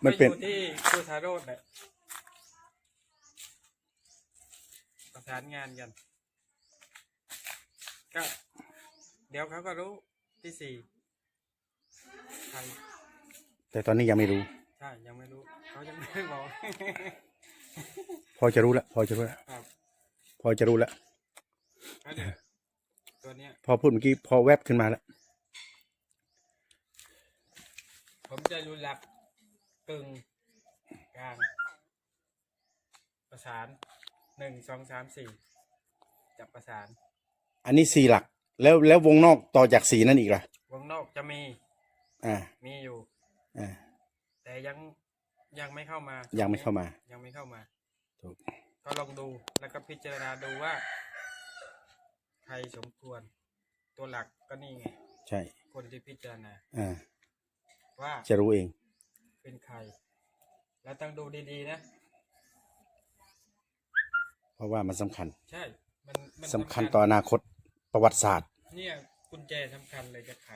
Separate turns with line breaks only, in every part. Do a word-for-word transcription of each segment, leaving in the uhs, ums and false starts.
มันเป็น
ที่ครูทาโรดแหละประสานงานกันก็เดี๋ยวเขาก็รู้ที่สี่ใคร
แต่ตอนนี้ยังไม่รู้
ใช่ยังไม่รู้เขายังไม่ได้บอก
พอจะรู้แล้วพอจะรู้แล้วพอจะรู้แล้ว
ตัวเนี้ย
พอพูดเมื่อกี้พอแวบขึ้นมาแล้ว
ผมจะรู้หลักกึ่งกลางประสานหนึ่งสองสามสี่จับประสาน
อันนี้สี่หลักแล้วแล้ววงนอกต่อจากสี่นั่นอีกล่ะ
วงนอกจะมี
อ่า
มีอยู่
อ่า
แต่ยังยังไม่เข้ามา
ยังไม่เข้ามา
ยังไม่เข้ามา
ถูก
ก็ลองดูแล้วก็พิจารณาดูว่าใครสมควรตัวหลักก็นี่ไง
ใช่
คนที่พิจารณา
อ่า
ว่า
จะรู้เอง
เป็นใครแล้วต้องดูดีๆนะ
เพราะว่ามันสำคัญ
ใช่มันมัน
สำคัญต่ออนาคตประวัติศาสตร์
เนี่ยกุญแจสำคัญเลยจะไข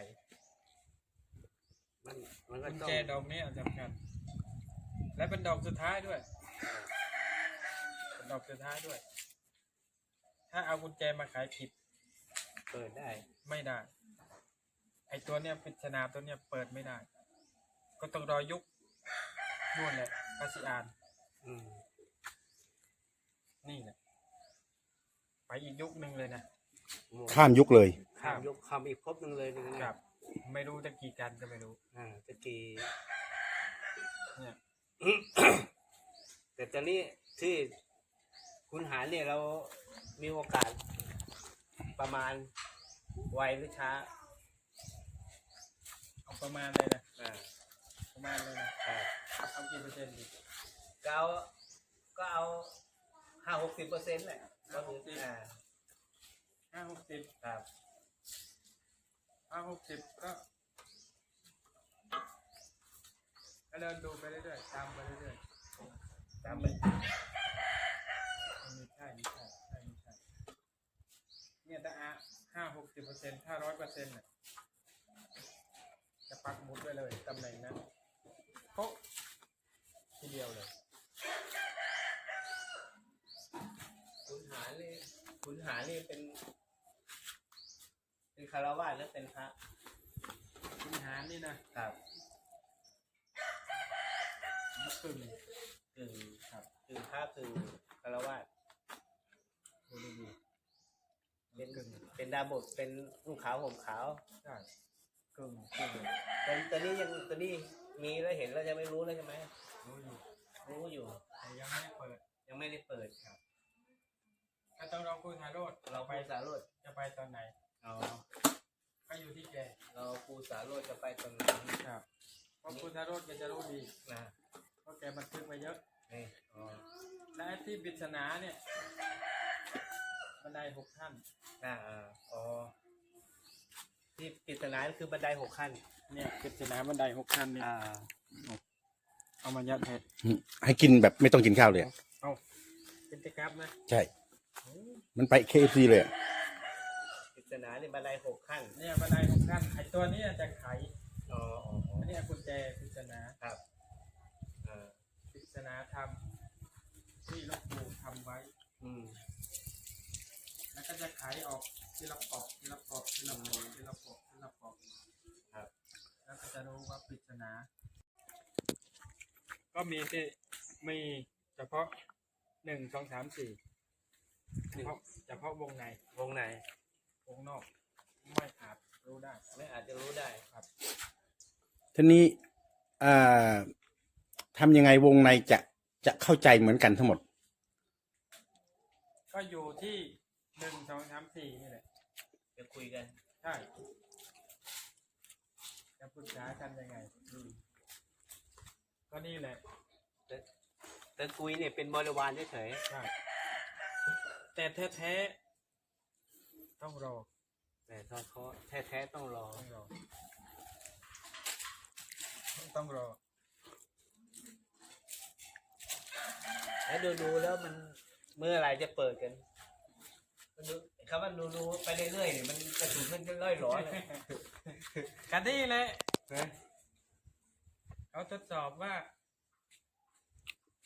มันมันก็
กุญแจดอกนี้สำคัญและเป็นดอกสุดท้ายด้วยเป็นดอกสุดท้ายด้วยถ้าเอากุญแจมาขายผิด
เปิดได้
ไม่ได้ไอตัวเนี้ยปริศนาตัวเนี้ยเปิดไม่ได้ก็ต้องรอยุคนู่นแหละภาษีอ่าน
อืม
นี่แหละไปอีกยุคหนึ่งเลยนะ
ข้ามยุคเลย
ข้ามยุคข้ามอีกภพหนึ่งเลยนะครับ
ไม่รู้จะกี่กันก็ไม่รู้
อ่าจะกี่
เนี่ย
แต่ตอนนี้ที่คุณหาเนี่ยเรามีโอกาสประมาณไวหรือช้า
เอาประมาณเลยนะ
อ่า
ประมาณเลยนะ
อ่า
เอากี่เปอร์เซ็นต์ดี
ก็เอาก็เอาห้าหกสิบเปอร์เซ็นต์แหละก็คืออ่า
ห้าหกสิบ
ครับ
ห้าหกสิบก็ก็เดินดูไปเรื่อยๆตามไปเรื่อยๆตามไปไม่ใช่ไม่ใช่ใช่ไม่ใช่เนี่ยถ้าอ่ะห้าหกสิบเปอร์เซ็นต์ถ้าร้อยเปอร์เซ็นต์เนี่ยจะปักหมุดไว้เลยตำแหน่งนั้นโป๊ะทีเดียวเลย
คุณหานี่คุณหานี่เป็นเป็นคารวะหรือเป็นพระ
คุณหานี่นะครับกึ่ง
กึ่งครับกึ่งพระกึ่งคารวะ
ดูดี
เป็นเป็นดาบทเป็นนุ่งขาวห่มขาว
ใช่กึ่งกึ่ง
แต่ตอนนี้ยังตอนนี้มีแล้วเห็นแล้วยังไม่รู้เลยใช่ไหม
รู้อยู่
รู้อยู่
แต่ยังไม่ได้เปิด
ยังไม่ได้เปิดครับ
ถ้าต้องรอคุยทาโรด
เราไปสาโรด
จะไปตอนไหน
อ๋อ
ก็อยู่ที่แก
เราครูสาโรดจะไปตอนไหน
ครับเพราะคุยทาโรดแกจะรู้ดี
นะ
เพราะแกบันทึกมาเยอะ
นี่อ๋อ
และที่ปริศนาเนี่ยบันไดหกขั้น
อ่าอ๋อที่ปริศนาคือบันไดหกขั้น
เนี่ยปริศนาบันไดหกขั้นนี่เอามายัดให้
ให้กินแบบไม่ต้องกินข้าวเลย
เอาเป็นตะกรับนะ
ใช่มันไป เค เอฟ ซี เลย
ปริศนาเนี่ยบันไดหกขั้น
เนี่ยบันไดหกขั้นไอตัวนี้จะไข
อ๋อ
อันนี้กุญแจปริศนา
ครับ
ปริศนาทำที่หลวงปู่ทำไว้
อืม
แล้วก็จะไขออกทีละปอกทีละปอกทีละปอกทีละปอกทีละปอก
ครับ
แล้วก็จะรู้ว่าปริศนาก็มีที่มีเฉพาะหนึ่งสองสามสี่เฉพาะเฉพาะวงใน
วงใน
วงนอกไม่อาจรู้ได้
ไม่อาจจะรู้ได้
ครับ
ทีนี้ทำยังไงวงในจะจะเข้าใจเหมือนกันทั้งหมด
ก็อยู่ที่หนึ่งสองสามสี่นี่แหละ
จะคุยกัน
ใช่จะปรึกษากันยังไงก็นี่แหละ
แต่แต่คุยเนี่ยเป็นบริวารเฉย
ๆใช่แต่แท้ๆต้องรอ
แต่ต้องเขาแท้ๆต้องรอ
ต้องรอต้องรอ
แล้วดูดูแล้วมันเมื่อไรจะเปิดกันคำว่าดูดูไปเรื่อยๆเนี่ยมันกระสุนมันจะล่อยหลอเลย
กันนี่แหละเขาทดสอบว่า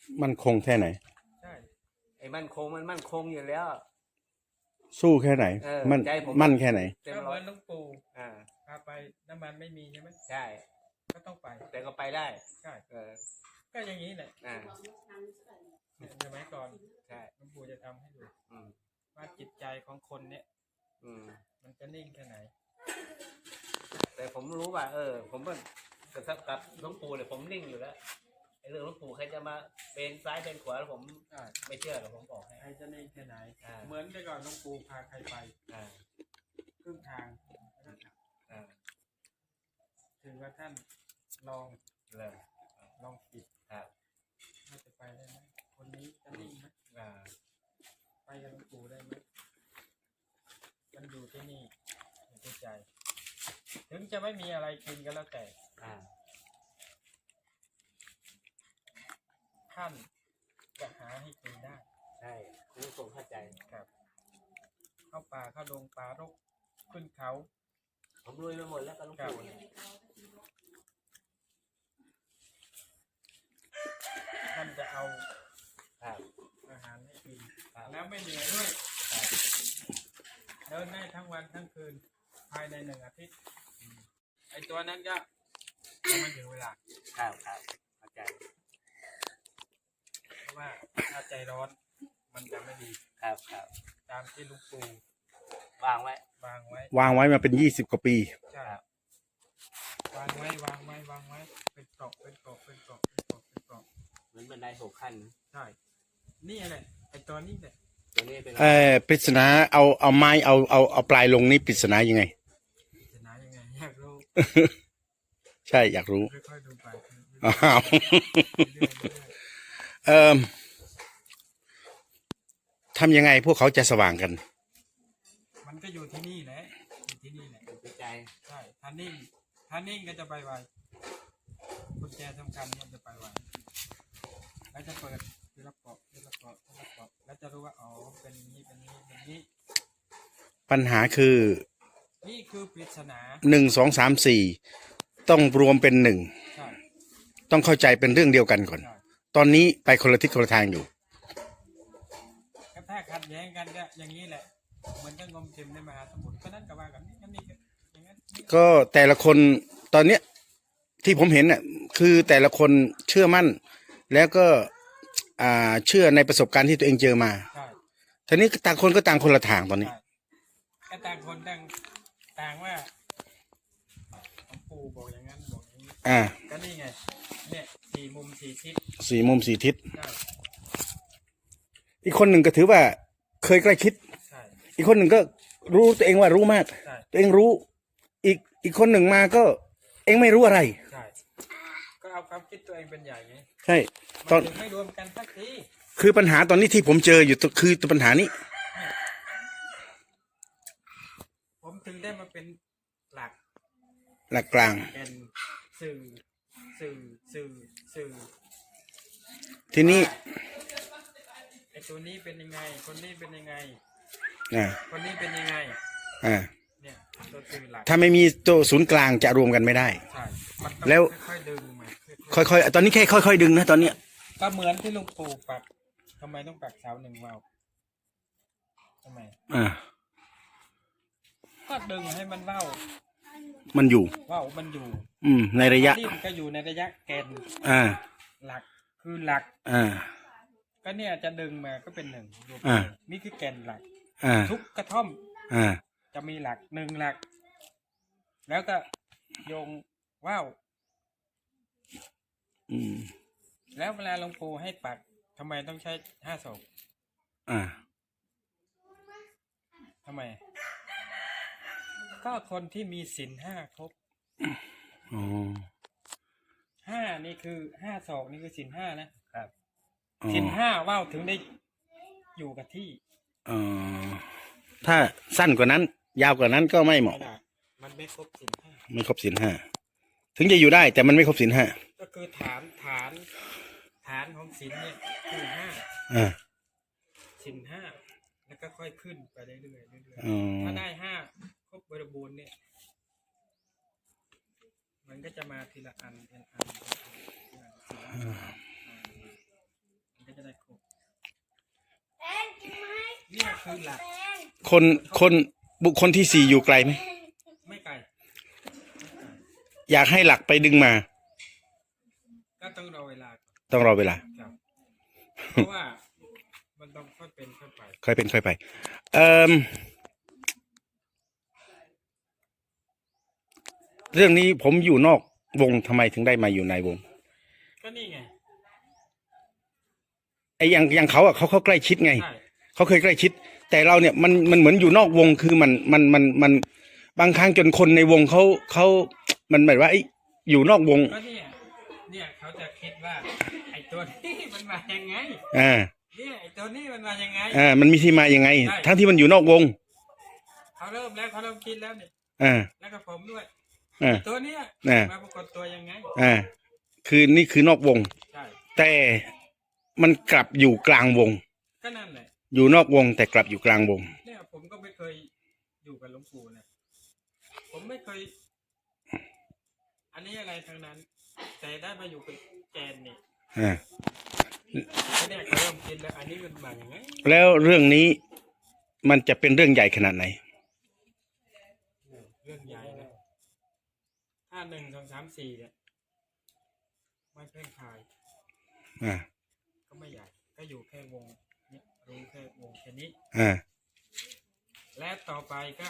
มันคงแค่ไหน
ใช่
ไอ้มั่นคงมันมั่นคงอยู่แล้ว
สู้แค่ไหน
เออ
มัน
ใจผม
มั่นแค่ไหน
เต็ม
ก็เห
ร้อ
มื
ย
อนหลุงปู่
อ่า
พาไปน้ำมันไม่มีใช่ไหม
ใช่
ก็ต้องไป
แต่ก็ไปได้
ใช่
เออ
ก็อย่างนี้แหละ
อ่า
เนี่ยสมัยก่อน
ใช่
หลุงปู่จะทำให้ดู
อืม
ว่าจิตใจของคนเนี่ย
อืม
มันจะนิ่งแค่ไหน
แต่ผมรู้ว่า เออ ผมก็กับกับหลวงปู่เนี่ยผมนิ่งอยู่แล้วไอ้เรื่องหลวงปู่ใครจะมาเป็นซ้ายเป็นขวาแล้วผม
ใช่
ไม่เชื่อหรอกผมบอกให้
ใครจะนิ่งแค่ไหน
อ่า
เหมือนแต่ก่อนหลุงปู่พาใครไป
อ่า
ครึ่งทาง
อ่า
ถึงว่าท่านลอง
เลย
ลองปิด
ครับ
ว่าจะไปได้ไหมคนนี้จะนิ่งไหม
อ่า
ไปกับหลวงปู่ได้ไหมมันอยู่ที่นี่อยู่ที่ใจ ถึงจะไม่มีอะไรกินก็แล้วแต่
อ่า
ท่านจะหาให้กินได้
ใช่คุณทรงเข้าใจ
ครับ เข้าป่าเข้าดงป่ารกขึ้นเขา
ผมรวยไปหมดแล้วกับหลวงปู่เนี่ย
ท่านจะเอา
ครับ
อาหารให้กิน
ครับ
แล้วไม่เหนื่อยด้วยเดินได้ทั้งวันทั้งคืนภายในหนึ่งอาทิตย์ไอตัวนั้นก็ยังไม่ถึงเวลา
ครับครับเข้าใจ
เพราะว่าถ้าใจร้อนมันจะไม่ดี
ครับครับ
ตามที่หลุงปู่
วางไว้
วางไว้
วางไว้มาเป็นยี่สิบกว่าปี
ใช่วางไว้วางไว้วางไว้เป็นกรอบเป็นกรอบเป็นกรอบเป็นกรอบเป็นกรอบ
เหมือนบันไดหกขั้น
ใช่นี่แหละไอตัวนี้แหละ
ตัวนี้เป็น
เอ่อปริศนาเอาเอาไม้เอาเอาเอาปลายลงนี่ปริศนายังไง
จะนายังไงอยากรู้
ใช่อยากรู้
ค่อยๆดูไป
อ้าว
เรื่อยๆเรื่อย
เอ่อทำยังไงพวกเขาจะสว่างกัน
ๆมันก็อยู่ที่นี่แหละอยู่ที่นี่แหละ
หัวใจ
ใช่ถ้านิ่งถ้านิ่งก็จะไปไวกุญแจสำคัญมันจะไปไวแล้วจะเปิดทีละเปาะทีละเปาะทีละเปาะแล้วจะรู้ว่าอ๋อเป็นอย่างนี้เป็นอย่างนี้เป็นอย่างนี้
ปัญหาคือ
นี่คือปริศนา
หนึ่งสองสามสี่ต้องรวมเป็นหนึ่ง
ใช่
ต้องเข้าใจเป็นเรื่องเดียวกันก่อน
ใช่
ตอนนี้ไปคนละทิศคนละทางอยู่
ก็ถ้าขัดแย้งกันก็อย่างนี้แหละเหมือนกับงมเข็มในมหาสมุทรก็นั่นก็ว่ากันนี่กันนี่ก็อย่างนั้นนี่
ก็แต่ละคนตอนเนี้ยที่ผมเห็นน่ะคือแต่ละคนเชื่อมั่น แล้วก็อ่าเชื่อในประสบการณ์ที่ตัวเองเจอมา
ใช่
ทีนี้ต่างคนก็ต่างคนละทางตอนนี้
ใช่ก็ต่างคนต่างต่างว่าหลวงปู่บอกอย่างนั้นบอกอย่างนี้
อ่า
ก็นี่ไงเนี่ยสี่มุมสี่ทิศ
สี่มุมสี่ทิศ
ใช่
อีกคนหนึ่งก็ถือว่าเคยใกล้คิด
ใช่
อีกคนหนึ่งก็รู้ตัวเองว่ารู้มาก
ใช่
ตัวเองรู้ อีกอีกคนหนึ่งมาก็เองไม่รู้อะไร
ใช่ก็เอาความคิดตัวเองเป็นใหญ่ไง
ใช่ต
มั
อน
นถึงไม่รวมกันสักที
คือปัญหาตอนนี้ที่ผมเจออยู่ตัวคือตัวปัญหานี้
ผมถึงได้มาเป็นหลัก
หลักกลาง
เป็นสื่อสื่อสื่อสื่อ
ทีนี้
ไอตัวนี้เป็นยังไง คนนี้เป็นยังไง
อ่า
คนนี้เป็นยังไง
อ่า
เนี่ยตัวสื่อหลัก
ถ้าไม่มีตัวศูนย์กลางจะรวมกันไม่ได้
ใช่มันต้อง
แล้ว
ค่อยๆดึงมาค่อย
ค่อยๆ ตอนนี้แค่ค่อยๆดึงนะตอนเนี้ย
ๆก็เหมือนที่ลุงปู่ปักทำไมต้องปักเสาหนึ่งวาวทำไม
อ่า
ก็ดึงให้มันเว้า
มันอยู่
เว้ามันอยู่
อืม ในระยะ
ดิ้นก็อยู่ในระยะแกน
อ่า
หลักคือหลัก
อ่า
ก็เนี่ยจะดึงมาก็เป็นหนึ่งรวม
อ่า
นี่คือแกนหลัก
อ่า
ทุกกระท่อม
อ่า
จะมีหลักหนึ่งหลัก แล้วก็โยงว่าว
อืม
แล้วเวลาหลวงปู่ให้ปักทำไมต้องใช้ห้าศอก
อ่า
ทำไม ก็คนที่มีศีลห้าครบ
อ๋อ
ห้านี่คือห้าศอกนี่คือศีลห้านะครับ
อ๋อ
ศีลห้าว่าวถึงได้อยู่กับที่
อ๋อถ้าสั้นกว่านั้น ยาวกว่านั้นก็ไม่เหมาะ
ไม่ได้มันไม่ครบศีลห้า
ไม่ครบศีลห้า ถึงจะอยู่ได้แต่มันไม่ครบศีลห้า
ก็คือฐานฐานฐานของศีลเนี่ยคือห้า
อ่า
ศีลห้าแล้วก็ค่อยขึ้นไปเรื่อยๆเรื่อย
อ๋อ
ๆถ้าได้ห้าครบบริบูรณ์เนี่ย มันก็จะมาทีละอันทีละอันทีละอันคือหลัก
คนคนบุคคลที่สี่อยู่ไกลไหม
ไม่ไกล
อยากให้หลักไปดึงมา
ก็ต้องรอเวลาก่อน
ต้องรอเวลา
ครับเพราะว่ามันต้องค่อยเป็นค่อยไป
ค่อยเป็นค่อยไป เอ่อเรื่องนี้ผมอยู่นอกวงทำไมถึงได้มาอยู่ในวง
ก็นี่ไง
ไอ้อย่างอย่างเขาอ่ะเขาเขาใกล้ชิดไง
ใช่
เขาเคยใกล้ชิด แต่เราเนี่ยมันมันเหมือนอยู่นอกวงคือมันมันมันมันบางครั้งจนคนในวงเขาเขามันหมายว่าไอ้อยู่นอกวง
ก็เนี่ยเนี่ยเขาจะคิดว่าไอ้ตัวนี้มันมายังไง
อ่า
เนี่ยไอ้ตัวนี้มันมายังไง
อ่ามันมีที่มายังไง
ใช่
ทั้งที่มันอยู่นอกวง
เขาเริ่มแล้วเขาเริ่มคิดแล้วเนี่ย
อ่า
แล้วก็ผมด้วย
อ่า
ตัวเนี้ย
อ่า
มาปรากฏตัวยังไง
อ่าคือนี่คือนอกวง
ใช่
แต่มันกลับอยู่กลางวง
ก็นั่นแหละ
อยู่นอกวง แต่กลับอยู่กลางวง
เนี่ยผมก็ไม่เคยอยู่กับหลวงปู่นะผมไม่เคย อันนี้อะไรทั้งนั้น แต่ได้มาอยู่กับแกนนี่
อ่า
เนี่ยเขาเริ่มคิดแล้วอันนี้มันมาอย่างไง
แล้วเรื่องนี้มันจะเป็นเรื่องใหญ่ขนาดไหน
เรื่องใหญ่นะถ้าหนึ่งสองสามสี่เนี่ยไม่เพ่งพาย
อ่า
ก็ไม่ใหญ่ ก็อยู่แค่วงเนี่ยรู้แค่วงแค่นี้
อ่า
และต่อไปก็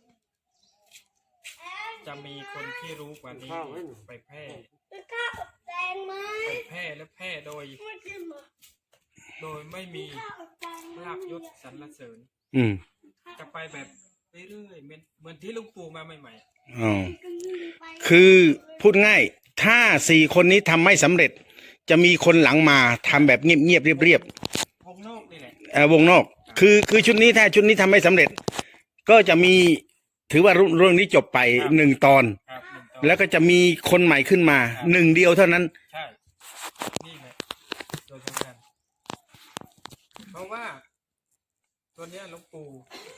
จะมีคนที่รู้กว่านี้ไปแพร่ไปแพร่และแพร่โดย โดยไม่มีลาบยศสรรเสริญ
อืม
จะไปแบบเรื่อยๆเหมือนเหมือนที่ลุงปู่มาใหม่
อ๋อ คือพูดง่าย ถ้าสี่คนนี้ทำไม่สำเร็จ จะมีคนหลังมาทำแบบเงียบๆเรียบ
ๆวงนอกนี่แหละ
ๆเอ่อวงนอก คือคือชุดนี้ถ้าชุดนี้ทำไม่สำเร็จ ก็จะมีถือว่าเรื่องนี้จบไปหนึ่งตอน
ครับหนึ่งตอน
แล้วก็จะมีคนใหม่ขึ้นมาหนึ่งเดียวเท่านั้น
ใช่ นี่แหละโดยสำคัญเพราะว่า ตัวเนี้ยหลวงปู่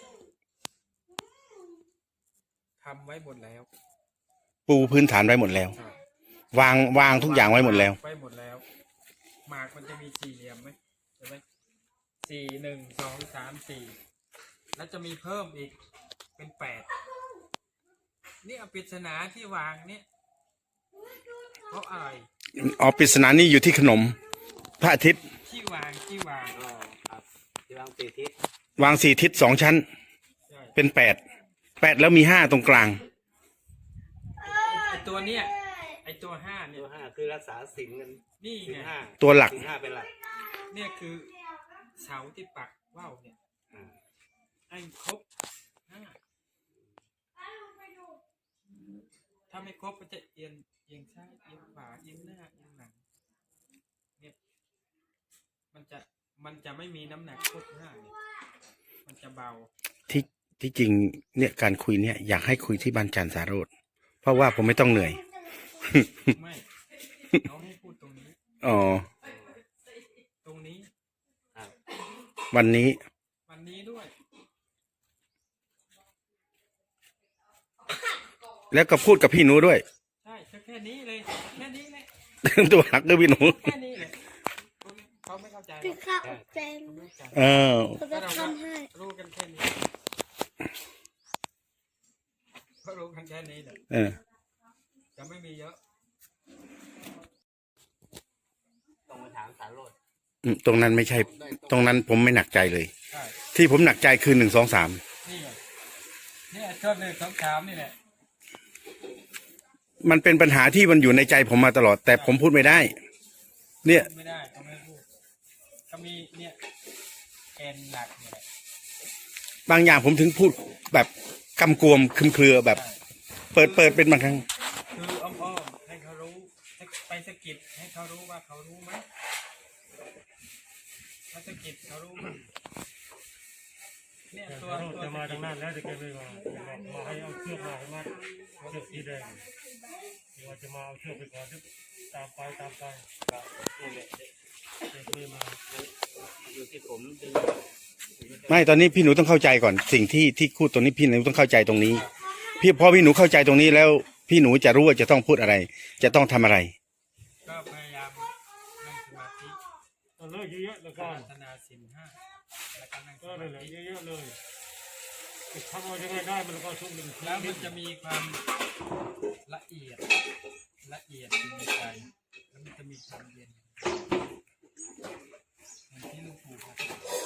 ทำไว้หมดแล้ว
ปูพื้นฐานไว้หมดแล้ว
ครับ
วางวางทุกอย่างไว้หมดแล้ว
ไว้หมดแล้ว หมากมันจะมีสี่เหลี่ยมไหมใช่ไหมสี่หนึ่งสองสามสี่แล้วจะมีเพิ่มอีกเป็นแปดนี่เอาปริศนาที่วางเนี่ยเพราะอะไร
อ๋อปริศนานี่อยู่ที่ขนม พระอาทิตย์
ที่วางที่วาง
อ๋อครับที่วางตีทิศ
วางสี่ทิศสองชั้น
ใช่
เป็นแปดแปดแล้วมีห้าตรงกลาง
ไอตัวเนี้ยไอตัวห้าเนี่
ตั
ยว
ห้าคือรักษาศีลกัน
นี่
ศีล
ไง
ห้า
ตัวหลัก
ศีลห้าเป็นหลัก
เนี่ยคือเสาที่ปักว่าวเนี่ย
อ่า
ให้ครบห้าถ้าไม่ครบมันจะเอียงเอียงซ้ายเอียงขวาเอียงหน้าเอียงหลังเนี่ยมันจะมันจะไม่มีน้ำหนักครบห้าเนี่ยมันจะเบา
ที่ที่จริงเนี่ยการคุยเนี่ยอยากให้คุยที่บ้านจันทร์สาโรธเพราะว่าผมไม่ต้องเหนื่อย
ไม่เราให้พูดตรงนี้
อ๋อ
ตรงนี้
ครับ
วันนี้
วันนี้ด้วย
แล้วก็พูดกับพี่หนูด้วย
ใช่ก็แค่นี้เลยแค่นี้แหละ
ตัวหักด้วยพี่หนู
แค่นี้แหละเขาไม่เข้าใจหร
พี่
อก
ข้าวอบแจง
เขาไม่เข้าใจ
เออ
เขาจะทำให้
รู้กันแค่นี้ก็รู้กันแค่นี้แหละ
เออ
จะไม่มีเยอะ
ต้องมาถามสารโรด
อืมตรงนั้นไม่ใช่ ตรงนั้นผมไม่หนักใจเลย
ใช่
ที่ผมหนักใจคือหนึ่งสองสาม
นี่ไงนี่ช่วงหนึ่งสองสามนี่แหละ
มันเป็นปัญหาที่มันอยู่ในใจผมมาตลอด แต่ผมพูดไม่ได้ เนี่ย
ไม่ได้เขาไม่พูดก็มีเนี่ยแกนหลักเนี่ยแหละ
บางอย่างผมถึงพูดแบบกำกวมคลุมเครือแบบ เปิดเปิดเป็นบางครั้ง
คืออ้อมๆให้เขารู้ไปสะกิดให้เขารู้ว่าเขารู้ไหมถ้าสะกิดเขารู้ไหมเนี่ยตัวตัว
จะมา
สะกิ
ทา
ด
งนั้นแล้วจะแกไม่มาจะมามาให้เอาเชือกมาให้มัดเชือกสีแดงว่าจะมาเอาเชือกไปก่อนที่ตามไปตามไป
ก็นี่แหละ
แกไม่มา
อยู่ที่ผมดึง
ไม่ตอนนี้พี่หนูต้องเข้าใจก่อน สิ่งที่ที่พูดตรงนี้พี่หนูต้องเข้าใจตรงนี้ พี่พอพี่หนูเข้าใจตรงนี้แล้ว พี่หนูจะรู้ว่าจะต้องพูดอะไร จะต้องทำอะไร
ก็พยายามนั่งสมาธิ
เอาเลยเยอะๆแล้ว
ป
กั
ราน รถนาสินห้าแล้วก็นั่งส
ก็
มา
เลย
ธิ
เยอะๆเลยทำเอายังไงได้มันก็ช่วงหนึ่ง
แล้วมันจะมีความละเอียดละเอียดอยู่ในใจแล้วมันจะมีความเย็นอย่างที่หลูกปู่บอก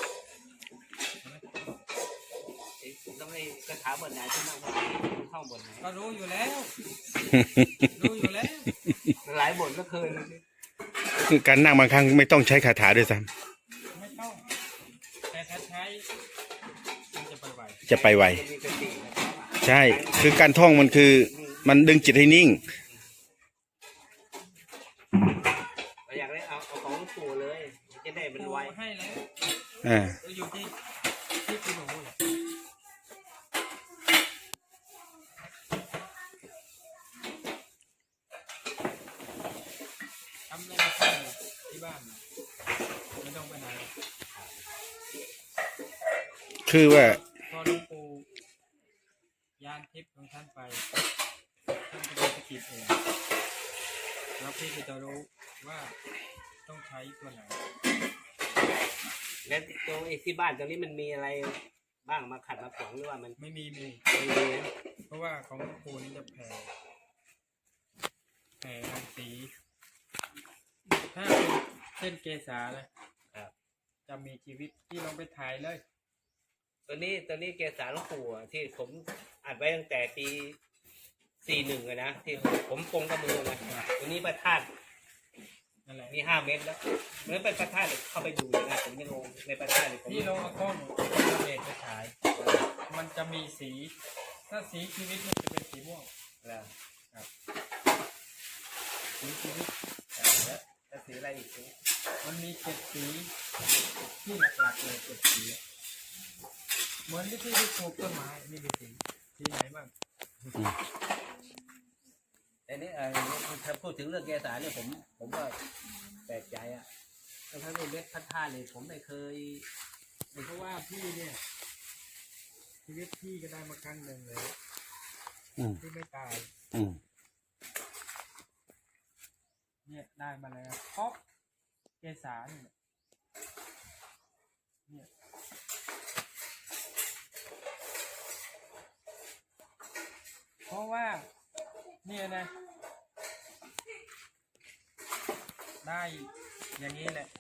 ต้องให้คาถาบทไหนที่นั่งสมาธิท่องบทไหน
ก็รู้อยู่แล้ว รู้อยู่แล้ว
หลายบทก็เคย
คือการนั่งบางครั้งไม่ต้องใช้คาถาด้วยซ้
ไม่ต้อง แต่ถ้าใช้มันจะไปไหว
ำจะไปไว
จะมีสตินะครับ
ใช่ คือการท่องมันคือมันดึงจิตให้นิ่ง
เราอยากได้เอาเอาของหลวงปู่เลยจะได้มัน
ปู่
ไว
ให้แล้ว
อ่า
เราอยู่ที่ที่คุณหนูแหละทำอะไรก็ทำที่บ้านไม่ต้องไปไหน
คือว่า
พอหลวงปู่ยานทิพย์ของท่านไปท่านก็จะสะกิดเองแล้วพี่ก็จะรู้ว่าต้องใช้ตัวไหน
แล้วตรงไอ้ที่บ้านตรงนี้มันมีอะไรบ้างมาขัดมาขวางหรือว่ามัน
ไม่มีมี
ไม่มีนะ
เพราะว่าของหลวงปู่นี่จะแผ่แผ่รังสีถ้าเป็นเส้นเกษานะครับ จะมีชีวิตที่ลองไปถ่ายเลย
ตัวนี้ตัวนี้เกสาหลวงปู่อะที่ผมอัดไว้ตั้งแต่ปีสี่หนึ่งเลยนะที่ผมปรงกับมือนะตัวนี้ประทัด
นั่นแหละ
มีห้าเมตรแล้วเมื่อเป็นประทัดเข้าไปดูนะผมยังงงในประทัดเลยผม
ที่เราเอากล้องเด็ดไปถ่าย มันจะมีสี ถ้าสีชีวิตมันจะเป็นสีม่วง
แล้ว
สีชีวิต
แล้วแล้วสีอะไรอีกที
มันมีเจ็ดสีที่หลักๆเลยเจ็ดสีเหมือนที่ที่ปลูกต้นไม้นี่เป็นสีสีไหนบ้าง
แต่นี่เออถ้าพูดถึงเรื่องเกสาเนี่ยผมผมก็แปลกใจอ่ะทั้งทั้งเม็ดพันธาเนี่ยผมไม่เคย
เพราะว่าพี่เนี่ย ชีวิตพี่ก็ได้มาครั้งหนึ่งเลย
อืม
ที่ไม่ตาย
อืม
เนี่ยได้มาแล้วเพราะเกสาเนี่ยเนี่ยเพราะว่าเนี่ยนะ ได้อย่างนี้แหละ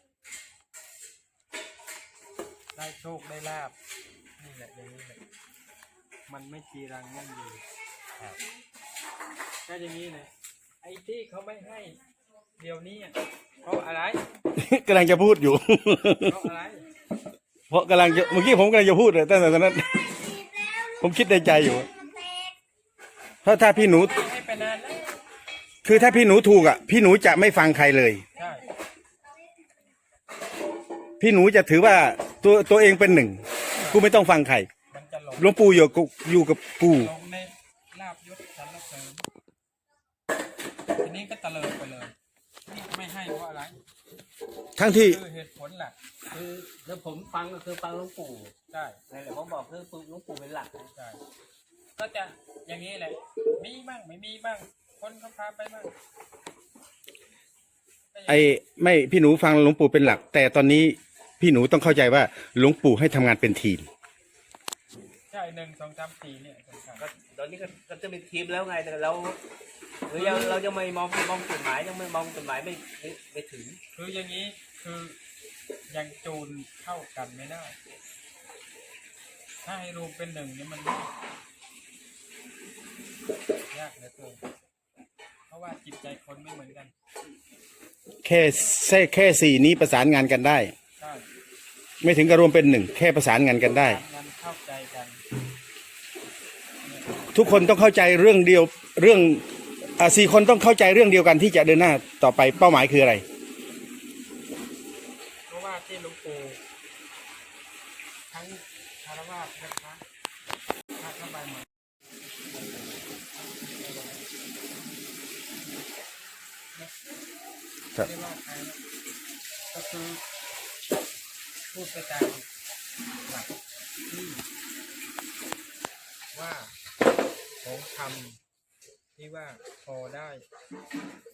ได้โชคได้ลาบนี่แหละอย่างนี้แหละมันไม่จีรังยั่งยืนครับก็อย่างนี้เลยไอ้ที่เขาไม่ให้เดี๋ยวนี้อะเพราะอะไร
กำลังจะพูดอยู่
เพราะอะไร
เพราะกำลังจะเมื่อกี้ผมกำลังจะพูดเลยตั้งแต่ตอนนั้น ผมคิดในใจอยู่เพราะถ้าพี่หนู
ให้ไปนานแล้ว
คือถ้าพี่หนูถูกอ่ะ พี่หนูจะไม่ฟังใครเลย
ใช่
พี่หนูจะถือว่าตัวตัวเองเป็นหนึ่ง กูไม่ต้องฟังใคร
มันจะหลง
หลวงปู่อยู่กับอยู่กับกู
หลงในลาบยศสรรเสริญทีนี้ก็ตะเลิดไปเลยนี่ไม่ให้เพราะอะไร
ทั้งที่
คือเหตุผลหลัก
คือคือผมฟังก็คือฟังหลวงปู่
ใช่
นั่นแหละผมบอกคือหลวงปู่เป็นหลักนะ
ใช่ก็จะอย่างนี้แหละ มีบ้างไม่มีบ้าง คนเขาพาไปบ้าง
ไอ้ไม่พี่หนูฟังหลวงปู่เป็นหลัก แต่ตอนนี้พี่หนูต้องเข้าใจว่าหลวงปู่ให้ทำงานเป็นทีม
ใช่หนึ่งสองสามสี่เนี่ยสำคัญ
ก็ตอนนี้ก็ก็จะเป็นทีมแล้วไงแต่เราหรือยังเรายังไม่มองมองจุดหมายยังไม่มองจุดหมายไม่ไม่ไม่ถึง
คืออย่างนี้คือยังจูนเข้ากันไม่ได้ ถ้าให้รวมเป็นหนึ่งเนี่ยมันยากยากเหลือเกินเพราะว่าจิตใจคนไม่เหมือนกัน
แค่แค่แค่สี่นี้ประสานงานกันได้
ใช่
ไม่ถึงกับรวมเป็นหนึ่งแค่ประสานงานกันได้
งานเข้าใจกัน
ทุกคนต้องเข้าใจเรื่องเดียวเรื่องอ่าสี่คนต้องเข้าใจเรื่องเดียวกันที่จะเดินหน้าต่อไปเป้าหมายคืออะไร
เพราะว่าที่หลวงปู่ทั้งคารวะและพระพระเข้าไปหมดไม่ได้ว่าใครนะก็คือพูดไปตามหลักที่ว่าของธรรมที่ว่าพอได้